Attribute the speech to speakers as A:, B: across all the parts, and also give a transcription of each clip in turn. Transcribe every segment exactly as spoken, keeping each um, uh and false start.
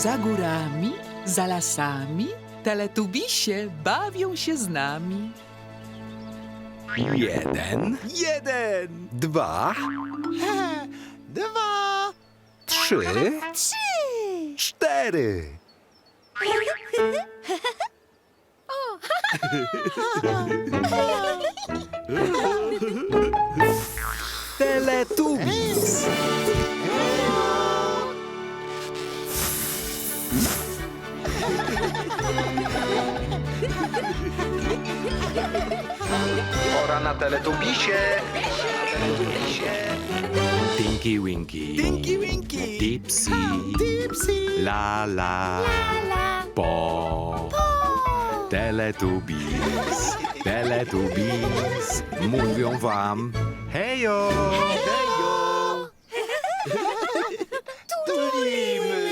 A: Za górami, za lasami, teletubisie bawią się z nami.
B: Jeden,
C: Jeden,
B: dwa,
C: dwa,
B: trzy,
D: Trzy!
B: cztery. Teletubbies. Pora na Teletubbisie. Tinky Winky,
C: Tinky Winky,
B: Dipsy,
C: Dipsy,
B: Lala,
D: La!
B: Po,
D: Po!
B: Teletubbies, Teletubbies, mówią wam hejo,
C: hejo, tulimy.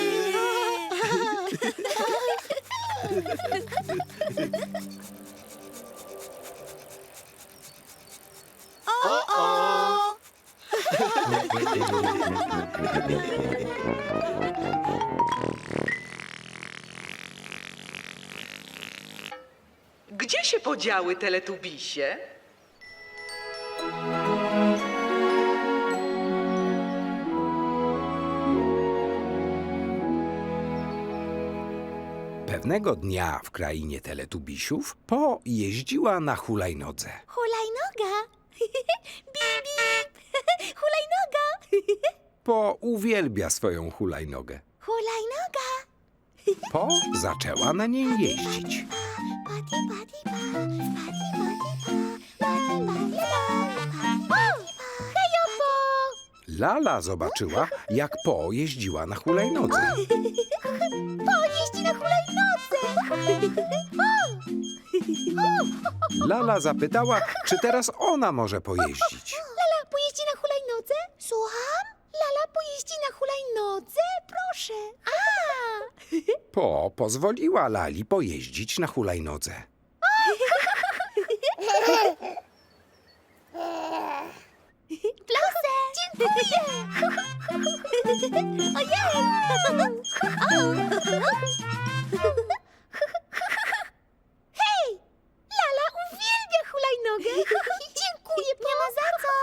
C: O, o.
A: Gdzie się podziały teletubisie?
B: Pewnego dnia w krainie Teletubisiów Po jeździła na hulajnodze.
D: Hulajnoga! Bip, bip! Hulajnoga!
B: Po uwielbia swoją hulajnogę.
D: Hulajnoga!
B: Po zaczęła na niej jeździć.
D: Pati, pati, pa! Pati, pati, pa! Pati, pati, pa! Pati, pa! Hejo, po!
B: Lala zobaczyła, jak Po jeździła na hulajnodze.
D: Po jeździ na hulajnodze!
B: Lala zapytała, czy teraz ona może pojeździć.
D: Lala pojeździ na hulajnodze? Słucham? Lala pojeździ na hulajnodze? Proszę. A!
B: Po pozwoliła Lali pojeździć na hulajnodze.
D: Proszę. Dziękuję. Ojej. Hej! Lala uwielbia hulajnogę. Dziękuję, nie ma za co.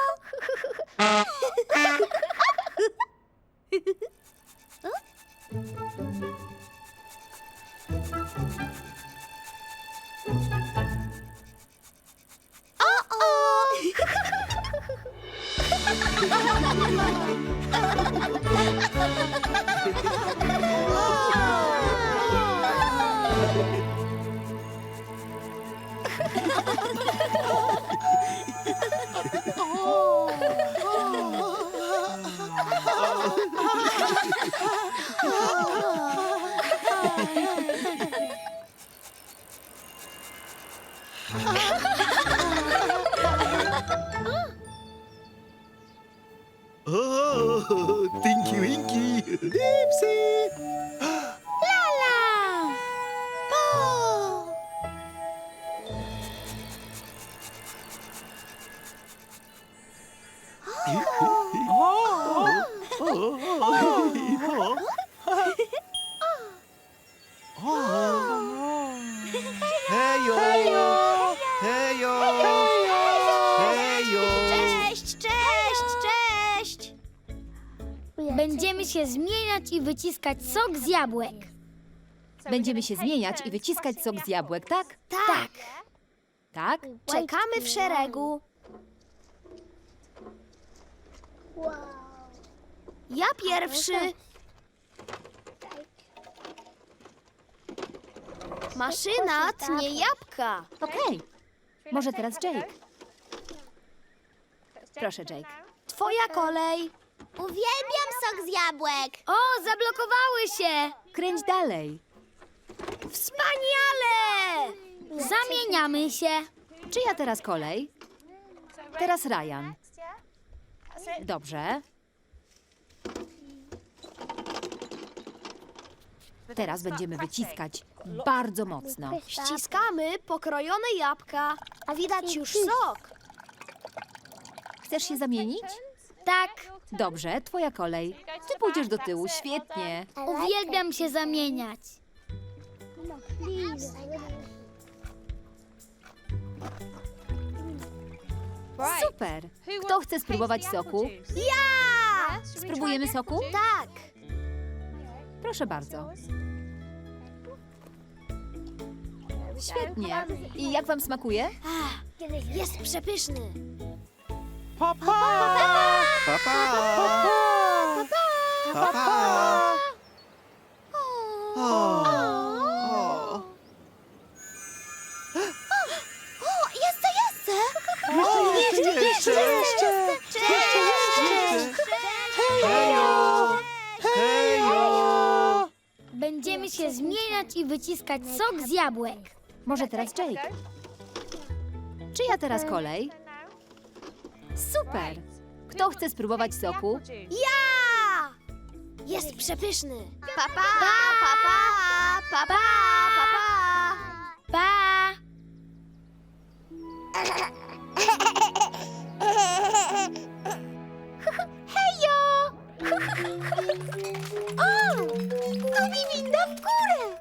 C: O, Tinky Winky, Dipsy.
D: Lala! Po!
C: Hejo, hejo, hejo.
D: Cześć, cześć, cześć!
E: Będziemy się zmieniać i wyciskać sok z jabłek.
F: Będziemy się zmieniać i wyciskać sok z jabłek, tak?
D: Tak,
F: Tak?
D: czekamy w szeregu. Ja pierwszy. Maszyna tnie jabłka.
F: Okej. Może teraz Jake. Proszę, Jake.
D: Twoja kolej. Uwielbiam sok z jabłek.
E: O, zablokowały się!
F: Kręć dalej.
D: Wspaniale!
E: Zamieniamy się.
F: Czyja teraz kolej? Teraz Ryan. Dobrze. Teraz będziemy wyciskać bardzo mocno.
D: Ściskamy pokrojone jabłka, a widać już sok.
F: Chcesz się zamienić?
E: Tak,
F: Dobrze, twoja kolej. Ty pójdziesz do tyłu, świetnie.
E: Uwielbiam się zamieniać.
F: Super. Kto chce spróbować soku?
D: Ja!
F: Spróbujemy soku?
D: Tak.
F: Proszę bardzo. Świetnie. I jak wam smakuje?
D: Jest przepyszny.
C: Papa! Papa! Papa! O! O!
D: O, jeszcze, jeszcze!
C: Jeszcze, jeszcze, jeszcze!
D: Cześć!
C: Hejo! Hejo!
E: Będziemy się zmieniać i wyciskać sok z jabłek.
F: Może teraz Jake. Czyja teraz kolej? Super. Kto chce spróbować soku?
D: Ja! Jest przepyszny. Pa, pa, pa, pa, pa, pa, pa, pa.
E: Pa!
D: Hejo! O! To mi winda w górę!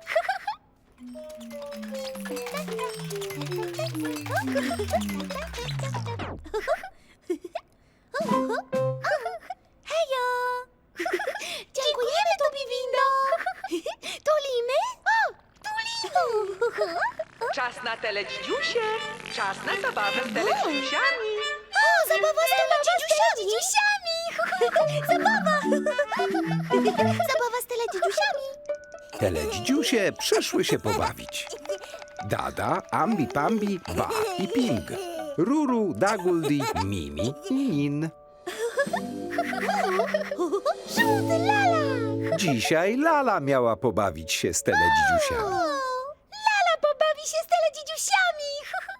D: Hejo! Dziękujemy, Tobi Windo! Tulimy? O! Tulimy!
A: Czas na teledzidziusie. Czas na zabawę z teledzidziusiami.
D: O, zabawa z teledzidziusiami! Zabawa! Zabawa z teledzidziusiami!
B: Teledzidziusie przyszły się pobawić. Dada, Ambi Pambi, Ba i Ping. Ruru, Daguldi, Mimi i Nin.
D: Żółty lala!
B: Dzisiaj Lala miała pobawić się z teledzidziusiami.
D: Lala pobawi się z teledzidziusiami!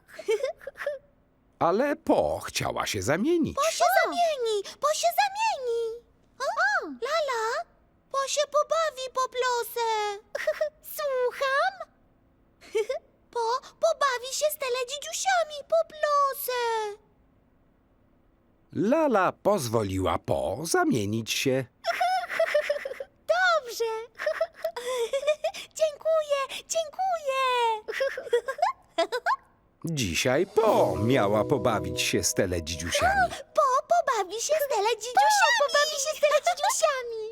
B: Ale Po chciała się zamienić.
D: Po się zamieni! Po się zamieni! O, Lala, po się pobawi po plosę. Słucham? Po pobawi się z teledzidziusiami po plosę.
B: Lala pozwoliła Po zamienić się.
D: Dobrze. Dziękuję, dziękuję.
B: Dzisiaj Po miała pobawić się z teledzidziusiami.
D: Po pobawi się z teledzidziusiami. Pobawi się z teledzidziusiami.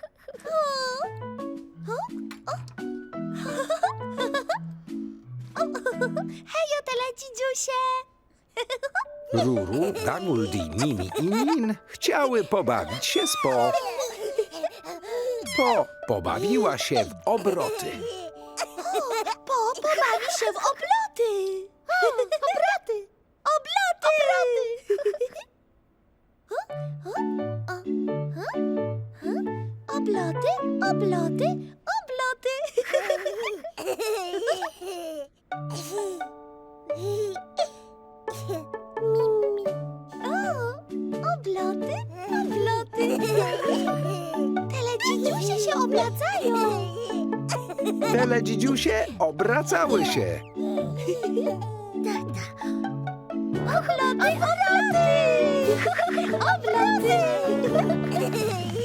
D: Hejo, teledzidziusie.
B: Ruru, Daguldi, Mimi i Nin chciały pobawić się z Po. Po pobawiła się w obroty.
D: Po pobawi się w obloty. Obroty. Obloty. Obloty. Obloty. Obloty. Mimi. O, obloty. Obloty. Teledzidziusie się obracają.
B: Teledzidziusie obracały się.
D: Obloty, obloty! Obloty!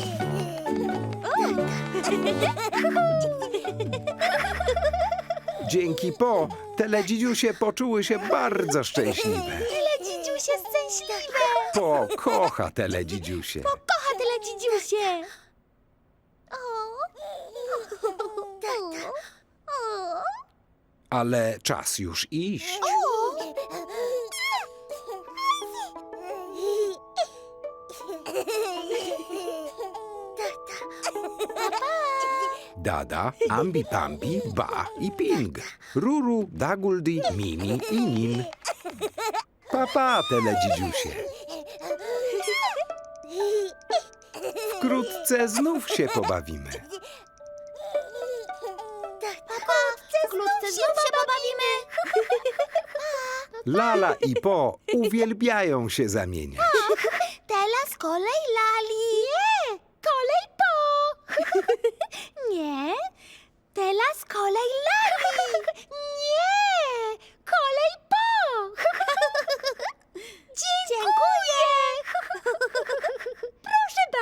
B: Dzięki Po teledzidziusie poczuły się bardzo szczęśliwe.
D: Teledzidziusie szczęśliwe!
B: Po kocha teledzidziusie.
D: Kocha teledzidziusie! O! O!
B: Ale czas już iść. Dada, Ambi Pambi, Ba i Ping. Ruru, Daguldi, Mimi i Nin. Papa, teledzidziusie. Wkrótce znów się pobawimy.
D: Wkrótce znów się pobawimy!
B: Lala i Po uwielbiają się zamieniać.
D: Teraz kolej Lali! Nie! Kolej Po! Nie! Teraz kolej Lali! Nie! Kolej Po! Dziękuję! Proszę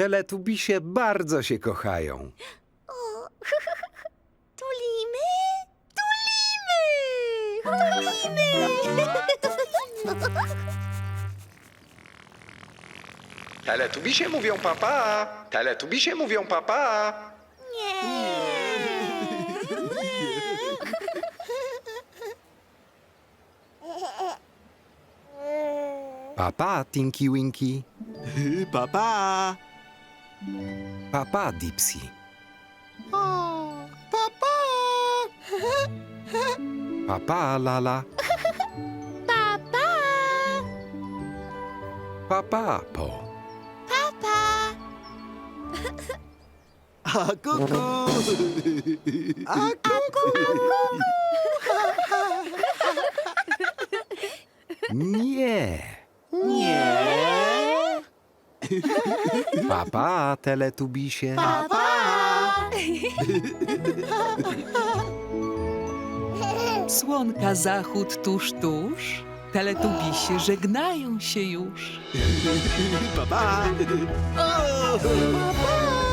B: Teletubisie bardzo się kochają.
D: O, tulimy, tulimy, tulimy.
B: Teletubisie mówią papa. Teletubisie mówią papa.
D: Nie.
B: Papa, Tinky Winky.
C: Papa.
B: Papa, Dipsy.
C: Papa.
B: Papa, Lala.
D: Papa,
B: Papa, Po.
D: papa.
C: A kuku. A kuku.
B: Nie.
C: Nie.
B: Papa, Teletubisie.
D: Papa.
A: Słonka zachód tuż, tuż. Teletubisie żegnają się już.
C: Papa. O.
D: Papa.